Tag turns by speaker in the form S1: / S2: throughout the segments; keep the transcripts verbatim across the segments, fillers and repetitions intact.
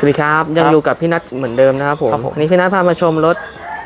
S1: สวัสดีครับยังอยู่กับพี่นัทเหมือนเดิมนะครับผมวันนี้พี่นัทพามาชมรถ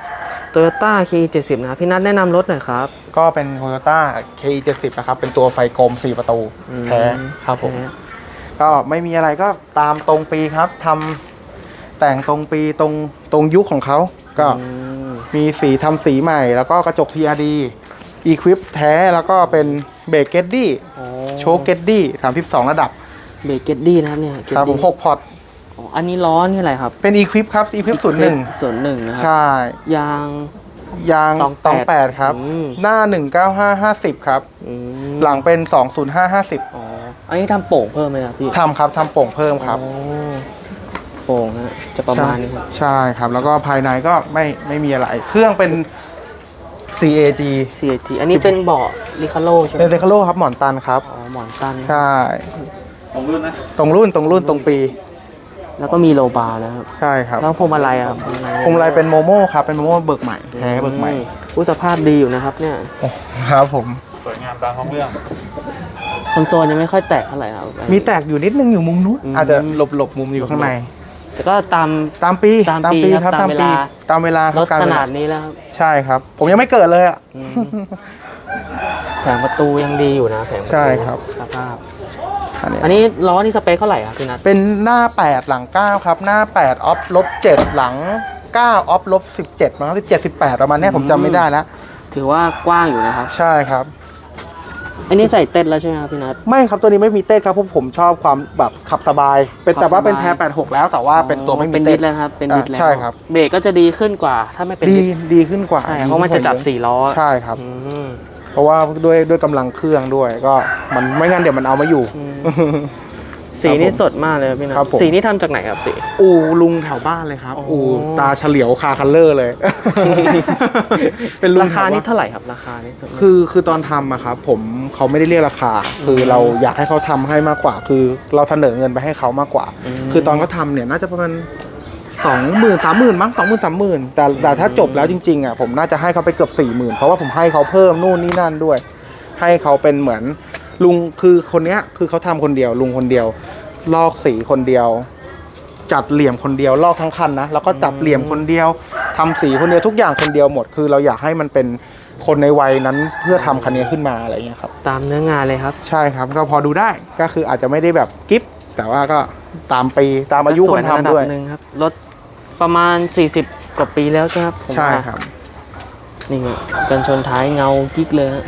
S1: Toyota เค อี เจ็ดสิบ นะครับพี่นัทแนะนำรถหน่อยครับ
S2: ก็เป็น Toyota เค อี เจ็ดสิบ นะครับเป็นตัวไฟกลมสี่ประตูแท้ครับผมก็ไม่มีอะไรก็ตามตรงปีครับทำแต่งตรงปีตรงตรงยุคของเขาก็มีสีทำสีใหม่แล้วก็กระจก ที อาร์ ดี Equip แท้แล้วก็เป็นเบรกเกตดี้โชคเกตดี้สามสิบสองระดับ
S1: เบรกเกตดี้นะครับเนี่ย
S2: ครับผมหกพอร์ต
S1: อันนี้ล้อนี่อะไรครับ
S2: เป็น Equip ครับ Equip ศูนย์หนึ่ง
S1: ศูนย์หนึ่งนะครับ
S2: ใช่
S1: ยาง
S2: ยางตองแปดครับหน้าหนึ่งเก้าห้า ห้าสิบครับหลังเป็นสองศูนย์ห้า ห้าสิบ
S1: อ๋ออันนี้ทำโป่งเพิ่มไหมครับพี่
S2: ทำครับทำโป่งเพิ่มครับ
S1: โป่งฮะจะประมาณนี้ครับ
S2: ใช่ครับแล้วก็ภายในก็ไม่ไม่มีอะไรเครื่องเป็น ซี เอ จี
S1: ซี เอ จี อันนี้เป็นเบาะริคาโลใช่ไหม
S2: เป็นริคาโลครับหมอนตันครับ
S1: อ๋อหมอนตัน
S2: ใช่
S3: ตรงรุ่นนะ
S2: ตรงรุ่นตรงรุ่นตรงปี
S1: แล้วก็มีโลบาร์แล้วครับ
S2: ใช่ครับ
S1: แล้วพวงมาลัยครับ
S2: พวงมาลัยเป็นโมโม่ครับเป็นโมโม่เบิกใหม่แท้เบิกใหม่
S1: ผู้สภาพดีอยู่นะครับเนี่ย
S2: ครับผม
S3: สวยงามตามท้องเรื่อง
S1: คอนโซลยังไม่ค่อยแตกเท่าไหร่ครับ
S2: มีแตกอยู่นิดนึงอยู่มุมนู้นอาจจะหลบหลบมุมอยู่ข้างใน
S1: แต่ก็ตาม
S2: ตามปี
S1: ตามปีครับตามเวลา
S2: ตามเวลาร
S1: ถขนาดนี้แล้วครับ
S2: ใช่ครับผมยังไม่เกิดเลยอ่ะ
S1: แผงประตูยังดีอยู่นะแผงประตู
S2: ใช่ครับ
S1: สภาพอันนี้ล้อนี่สเปคเท่าไหร่ครับพี่นัท
S2: เป็นหน้าแปดหลังเก้าครับหน้าแปดออฟลบเจ็ดหลังเก้าออฟลบสิบเจ็ดมั้งสิบเจ็ด สิบแปดประมาณนี้ผมจำไม่ได้แล้ว
S1: ถือว่ากว้างอยู่นะครับ
S2: ใช่ครับ
S1: อันนี้ใส่เต้นแล้วใช่ไหมครับพี่นัท
S2: ไม่ครับตัวนี้ไม่มีเต้นครับเพราะผมชอบความแบบขับสบายเป็นแต่ว่าเป็นแพร์แปดหกแล้วแต่ว่าเป็นตัวไม่มีเต้น
S1: แล้วครับเป็นดิสแล้ว
S2: ใช่ครับ
S1: เบรกก็จะดีขึ้นกว่าถ้าไม่เป็น
S2: ดีดีขึ้นกว่า
S1: ใช่เพราะมันจะจับสี่ล้อ
S2: ใช่ครับเพราะว่าด้วยด้วยกำลังเครื่องด้วยก็มันไม่งั้นเดี๋ยวมันเอาไม่อยู่
S1: สีนี่สดมากเลยพี่นัทสีนี่ทำจากไหนครับสี
S2: อูลุงแถวบ้านเลยครับอูตาเฉลียวคาคัลเลอร์เลย
S1: เป็นลุงราคานี่เท่าไหร่ครับราคานี่
S2: คือคือตอนทำอะครับผมเขาไม่ได้เรียกราคาคือเราอยากให้เขาทำให้มากกว่าคือเราเสนอเงินไปให้เขามากกว่าคือตอนเขาทำเนี่ยน่าจะประมาณสองหมื่นสามหมื่นมั้งสองหมื่นสามหมื่นแต่แต่ถ้าจบแล้วจริงๆอะผมน่าจะให้เขาไปเกือบสี่หมื่นเพราะว่าผมให้เขาเพิ่มนู่นนี่นั่นด้วยให้เขาเป็นเหมือนลุงคือคนเนี้ยคือเขาทำคนเดียวลุงคนเดียวลอกสีคนเดียวจัดเหลี่ยมคนเดียวลอกทั้งคันนะแล้วก็จับเหลี่ยมคนเดียวทำสีคนเดียวทุกอย่างคนเดียวหมดคือเราอยากให้มันเป็นคนในวัยนั้นเพื่อทำคันนี้ขึ้นมาอะไรเงี้ยครับ
S1: ตามเนื้องานเลยครับ
S2: ใช่ครับก็พอดูได้ก็คืออาจจะไม่ได้แบบกิ๊บแต่ว่าก็ตามปีตามอายุคนทำด้วย
S1: นึงครับรถประมาณสี่สิบกว่าปีแล้วใช่ครับ
S2: ใช่ครับ
S1: นี่กันชนท้ายเงากิ๊กเลยฮะ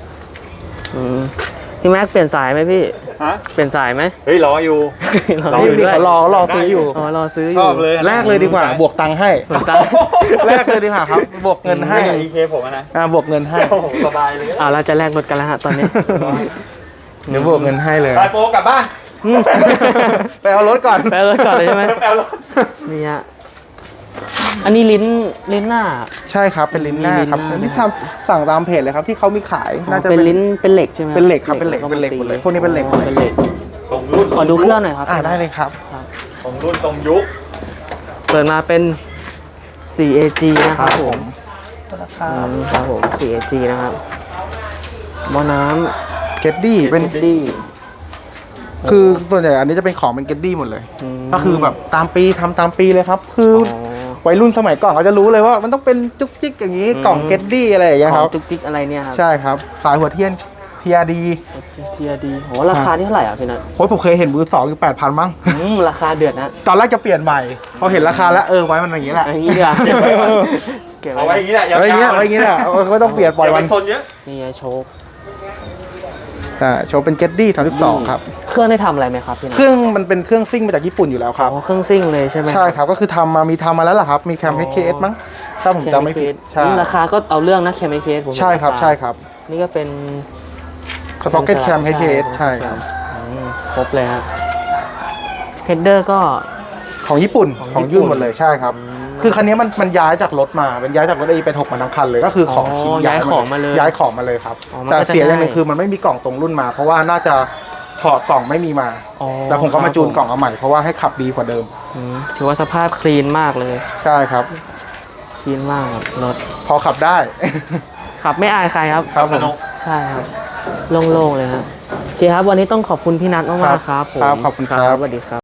S1: พี่แม็กเปลี่ยนสายไหมพี่
S3: ฮะ
S1: เปลี่ยนสายไหม
S3: เฮ้ยรออยู่
S2: รออยู่ด้วยรอรอซื้ออยู่
S1: อ๋อรอซื้ออยู่
S2: แลกเลยดีกว่าบวกตังค์ให้แลกเลยดีกว่าครับบวกเงินให้
S3: อีเคผมนะ
S2: อ่าบวกเงินให้
S3: สบายเลย
S1: อ่าเราจะแลกรถกันแล้วฮะตอนนี้
S2: เดี๋ยวบวกเงินให้เลย
S3: ไปโปกลับบ้าน
S2: ไปเอารถก่อน
S1: ไปเอารถก่อนเลยใช่ไหม
S3: ไปเอารถ
S1: นี่ฮะอันนี้ลิ้นลิ้นหน้า
S2: ใช่ครับเป็นลิ้นหน้าครับที่ทำสั่งตามเพจเลยครับที่เขามีขาย
S1: น่าจะเป็นลิ้นเป็นเหล็กใช่ไหม
S2: เป็นเหล็กครับเป็นเหล็กเป็นเหล็กหมดเลยพวกนี้เป็นเหล็กหมดเลย
S3: ตรงรุ่น
S1: ขอดูเครื่องหน่อยครับ
S2: อ่าได้เลยครับ
S3: ตรงรุ่นตรงยุค
S1: เปิดมาเป็น ซี เอ จี นะครับผมครับผม ซี เอ จี นะครับหม้อน้
S2: ำเกตดี้เป็น
S1: เกตดี้
S2: คือส่วนใหญ่อันนี้จะเป็นของเป็นเกตดี้หมดเลยก็คือแบบตามปีทำตามปีเลยครับคือวัยรุ่นสมัยก่อนเขาจะรู้เลยว่ามันต้องเป็นจุกจิกอย่างนี้กล่องเกตดี้อะไรอย่างเงี้ยครับ
S1: จุกจิกอะไรเนี่ยครับ
S2: ใช่ครับสายหัวเทียน ที อาร์ ดี
S1: ที อาร์ ดี โหราคาที่เท่าไหร่อ่ะพี่นัท
S2: โอ้ยผมเคยเห็นมือสองอยู่แปดพันมั้ง
S1: ราคาเดือดนะ
S2: ตอนแรกจะเปลี่ยนใหม่พอเห็นราคาแล้วเออไว้มันอย่างนี้แหละ
S1: อย่างนี้เดียว
S3: เอาไว้อย่างนี้แหละ
S2: เอาไว้อย่างนี้เอาไว้อย่างนี้แหละไม่ต้องเปลี่ยนปล่อยวัน
S1: นี่ไงโชค
S2: อ่าโชว์เป็นเกตดี้สามสิบสองครับ
S1: เครื่องได้ทำอะไรไหมครับพี่นัท
S2: เครื่องมันเป็นเครื่องซิ่งมาจากญี่ปุ่นอยู่แล้วครับ
S1: อ๋อเครื่องซิ่งเลยใช่ไหม
S2: ใช่ครับก็คือทำมามีทำมาแล้วล่ะครับมีแคม เอช เค เอส มั้งถ้าผมจำไม่ผิด
S1: ใช่ราคาก็เอาเรื่องนะแคม เอช เค เอสผม
S2: ใช่ครับใช่ครับ
S1: นี่ก็เป็น
S2: สต็อกเก็ตแคม เอช เค เอส ใช่ครับ
S1: ครบเลยครับเฮดเดอร์ก็
S2: ของญี่ปุ่นของยื่นหมดเลยใช่ครับคือคันนี้มันมันย้ายจากรถมาเป็นย้ายจากรถ เอ เป็นหกมาทั้งคันเลยก็คือของชิ้น
S1: ย้ายของมาเลย
S2: ย้ายของมาเลยครับแต่เสียอย่างนึงคือมันไม่มีกล่องตรงรุ่นมาเพราะว่าน่าจะถอดกล่องไม่มีมาแต่ผมก็มาจูนกล่องเอาใหม่เพราะว่าให้ขับดีกว่าเดิม
S1: ถือว่าสภาพคลีนมากเลย
S2: ใช่ครับ
S1: คลีนมากรถ
S2: พอขับได้
S1: ขับไม่อายใครครับ
S2: ครับผม
S1: ใช่ครับโล่งๆเลยครับโอเคครับวันนี้ต้องขอบคุณพี่นัทมากๆครับผม
S2: ขอบคุณครับ
S1: สวัสดีครับ